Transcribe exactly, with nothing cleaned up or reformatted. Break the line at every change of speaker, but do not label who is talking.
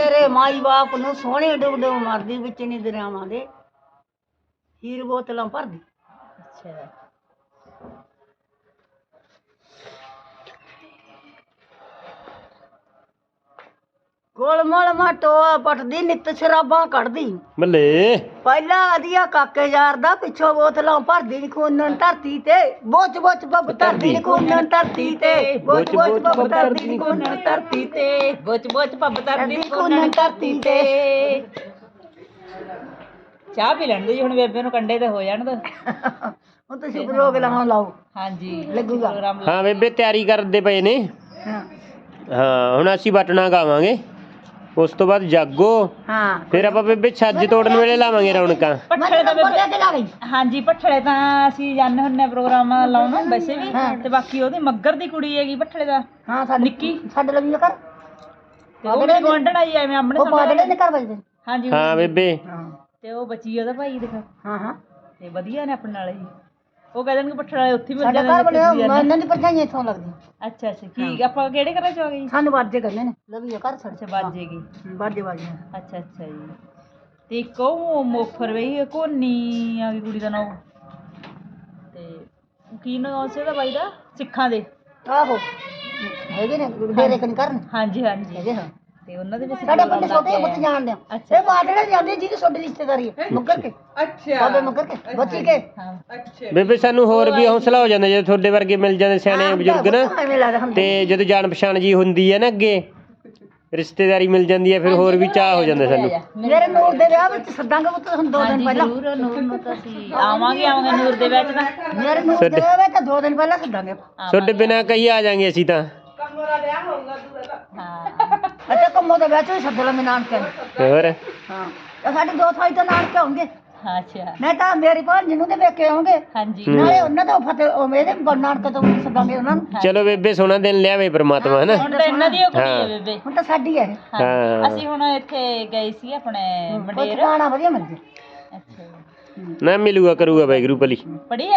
ਮੇਰੇ ਮਾਈ ਬਾਪ ਨੂੰ ਸੋਹਣੇ ਡੁੱਬ ਡੁੱਬ ਮਰਦੀ ਵਿੱਚ ਨਹੀਂ ਦਰਿਆਵਾਂ ਦੇ ਹੀਰ ਬੋਤਲਾਂ ਭਰਦੀ।
ਅੱਛਾ
ਗੋਲ ਮੋਲ ਮਾ ਟੋਆ ਪਟਦੀ ਨਿੱਤ ਸ਼ਰਾਬਾਂ ਕੱਢਦੀ
ਬੱਲੇ
ਪਹਿਲਾਂ ਆਦੀਆ ਕਾਕੇ ਯਾਰ ਦਾ ਪਿੱਛੋਂ ਬੋਤਲਾਂ ਭਰਦੀ ਨੀ ਖੂਨਨ ਧਰਤੀ ਤੇ ਬੋਚ ਬੋਚ ਬੱਬ ਧਰਦੀ ਨੀ ਖੂਨਨ ਧਰਤੀ ਤੇ ਬੋਚ ਬੋਚ ਬੱਬ ਧਰਦੀ ਨੀ ਖੂਨਨ ਧਰਤੀ ਤੇ
ਬੁੱਚ ਬੁੱਚ ਪੱਬ ਤਰਦੀ
ਧਰਦੀ ਖੂਨਨ ਧਰਤੀ ਤੇ।
ਚਾਹ ਪੀ ਲੈਣ ਦੋ ਜੀ ਹੁਣ ਬੇਬੇ ਨੂੰ ਕੰਡੇ ਤੇ ਹੋ ਜਾਣ ਦੋ।
ਹੁਣ ਤੁਸੀਂ ਪ੍ਰੋਗਰਾਮ ਲਾਓ
ਹਾਂਜੀ
ਲੱਗੂਗਾ।
ਪ੍ਰੋਗਰਾਮ
ਹਾਂ ਬੇਬੇ ਤਿਆਰੀ ਕਰਦੇ ਪਏ ਨੇ।
ਹਾਂ
ਹਾਂ ਹੁਣ ਅਸੀਂ ਬਟਨਾ ਗਾਵਾਂਗੇ ਉਸ ਤੋਂ ਬਾਅਦ ਜਾਗੋ
ਹਾਂ
ਫਿਰ ਆਪਾਂ ਬੇਬੇ ਛੱਜ ਤੋੜਨ ਵੇਲੇ ਲਾਵਾਂਗੇ ਰੌਣਕਾਂ।
ਪੱਠਲੇ ਤਾਂ
ਨੰਬਰ ਦੇ
ਬੇਬੇ
ਕੇ ਲਾ ਗਈ।
ਹਾਂਜੀ ਪੱਠਲੇ ਤਾਂ ਅਸੀਂ ਜਾਂਦੇ ਹੁੰਨੇ ਆ ਪ੍ਰੋਗਰਾਮ ਲਾਉਣ ਵੈਸੇ ਵੀ ਤੇ ਬਾਕੀ ਉਹਦੀ ਮੱਗਰ ਦੀ ਕੁੜੀ ਹੈਗੀ ਪੱਠਲੇ ਦਾ
ਹਾਂ ਸਾਡੀ
ਨਿੱਕੀ
ਸਾਡੇ ਲਈ ਕਰ
ਤੇ ਉਹ ਵੀ ਗਵਾਂਢਣ ਆਈ ਐਵੇਂ ਆਪਣੇ
ਉਹ ਪਾਦੜੇ ਨੇ ਘਰ ਵੱਜਦੇ।
ਹਾਂਜੀ
ਹਾਂ ਬੇਬੇ
ਹਾਂ
ਤੇ ਉਹ ਬੱਚੀ ਉਹਦਾ ਭਾਈ ਦਿਖਾ
ਹਾਂ ਹਾਂ
ਤੇ ਵਧੀਆ ਨੇ ਆਪਣੇ ਨਾਲ ਹੀ ਉਹ ਕਹਿੰਦੇ ਨੇ ਪੱਠਲੇ ਵਾਲੇ ਉੱਥੇ ਹੀ ਮਿਲ
ਸਾਡਾ
ਜਾਂਦੇ
ਘਰ ਬਣਿਆ
ਨੇ।
ਇਹਨਾਂ ਦੀ ਪਰਚਾਈਆਂ ਇੱਥੋਂ ਲੱਗਦੀਆਂ।
ਅੱਛਾ ਅੱਛਾ ਕੀ ਆਪਾਂ ਕਿਹੜੇ ਘਰਾਂ ਚ ਆ ਗਏ ਜੀ?
ਸਾਨੂੰ ਵਾਜੇ ਕਰਨੇ ਨੇ ਲਵੀ ਘਰ ਛੱਡ
ਅੱਛਾ ਬਾਜੇਗੀ
ਵਾਜੇ ਵਾਜੇ
ਅੱਛਾ ਅੱਛਾ ਜੀ ਤੇ ਇੱਕ ਉਹ ਮੋਫਰ ਵਈ ਕੋਨੀ ਆ ਗਈ ਕੁੜੀ ਦਾ ਨਾਮ ਤੇ ਕੀ ਨਾਮ ਸੀ ਉਹਦਾ ਬਾਈ ਦਾ ਸਿੱਖਾਂ ਦੇ
ਆਹੋ ਹੈਗੇ ਨੇ ਡੇਰੇ ਕਨ ਕਰਨ
ਹਾਂਜੀ ਹਾਂਜੀ
ਹੈਗੇ ਹਾਂ
ਤੇ ਉਹਨਾਂ ਦੇ ਵਿੱਚ
ਸਾਡੇ ਪਿੰਡ ਛੋਟੇ ਬੱਚੇ ਜਾਣਦੇ ਆ
ਅੱਛਾ।
ਇਹ ਬਾਦੜੇ ਜਾਂਦੇ ਜਿਹਦੀ ਛੋਟੀ ਰਿਸ਼ਤੇਦਾਰੀ ਹੈ ਮੁੱਕਰ ਕੇ ਅੱਛਾ ਬਾਬੇ ਮੁੱਕਰ ਕੇ ਬੱਚੀ ਕੇ
ਹਾਂ
ਬੇਬੇ ਸਾਨੂੰ ਹੋਰ ਵੀ ਹੌਸਲਾ ਹੋ ਜਾਂਦਾ ਜੇ ਤੁਹਾਡੇ ਵਰਗੇ ਮਿਲ ਜਾਂਦੇ ਸਿਆਣੇ ਬਜ਼ੁਰਗ ਨਾ
ਐਵੇਂ ਲੱਗਦਾ ਹੁਣ
ਤੇ ਜਦੋਂ ਜਾਣ ਪਛਾਣ ਜੀ ਹੁੰਦੀ ਹੈ ਨਾ ਅੱਗੇ ਰਿਸ਼ਤੇਦਾਰੀ ਮਿਲ ਜਾਂਦੀ ਹੈ ਫਿਰ ਹੋਰ ਵੀ ਚਾਹ ਹੋ ਜਾਂਦਾ ਸਾਨੂੰ।
ਮੇਰੇ ਨੂਰ ਦੇ ਵਿਆਹ ਵਿੱਚ ਸੱਦਾਂਗੇ ਪੁੱਤ ਹੁਣ ਦੋ ਦਿਨ ਪਹਿਲਾਂ
ਜ਼ਰੂਰ ਨੂਰ ਨੂੰ ਤਾਂ ਅਸੀਂ ਆਵਾਂਗੇ ਆਵਾਂਗੇ ਨੂਰ ਦੇ ਵਿੱਚ ਤਾਂ
ਮੇਰੇ ਨੂਰ ਦੇ ਵਿਆਹ ਵਿੱਚ ਤਾਂ ਦੋ ਦਿਨ ਪਹਿਲਾਂ ਸੱਦਾਂਗੇ
ਤੁਹਾਡੇ ਬਿਨਾਂ ਕਹੀ ਆ ਜਾਾਂਗੇ ਅਸੀਂ ਤਾਂ।
ਹਾਂ
ਅੱਛਾ ਕੰਮੋ ਦੇ ਵਿਆਹ ਚ ਵੀ ਸੱਦ ਲਾ ਮੈਂ ਨਾਨਕੇ ਨੂੰ।
ਹੋਰ
ਹਾਂ ਤੇ ਸਾਡੇ ਦੋ ਥਾਈ ਤਾਂ ਨਾਨਕੇ ਆਉਂਗੇ
ਅੱਛਾ
ਨਹੀਂ ਤਾਂ ਮੇਰੀ ਭਾਣ ਜਿਹਨੂੰ ਦੇ ਵੇਖੇ ਆਉਂਗੇ
ਹਾਂਜੀ
ਨਾਲੇ ਉਹਨਾਂ ਤੋਂ ਫਤਿਹ ਉਹ ਮੇਰੇ ਨਾਨਕੇ ਤੋਂ ਸੱਦਾਂਗੇ ਉਹਨਾਂ ਨੂੰ।
ਚਲੋ ਬੇਬੇ ਸੋਹਣਾ ਦਿਨ ਲਿਆਵੇ ਪ੍ਰਮਾਤਮਾ ਹਨਾ।
ਹੁਣ ਤਾਂ ਇਹਨਾਂ ਦੀ ਉਹ ਕੁੜੀ ਹੈ ਬੇਬੇ
ਹੁਣ ਤਾਂ ਸਾਡੀ ਹੈ
ਹਾਂ
ਅਸੀਂ ਹੁਣ ਇੱਥੇ ਗਏ ਸੀ ਆਪਣੇ
ਕੋਈ
ਮੰਡੇਰ
ਠਿਕਾਣਾ ਵਧੀਆ ਮਿਲ ਜੇ।
ਅੱਛਾ
ਨਾ ਮਿਲੂਗਾ ਕਰੂਗਾ ਵਾਹਿਗੁਰੂ ਭਲੀ।
ਪੜੀ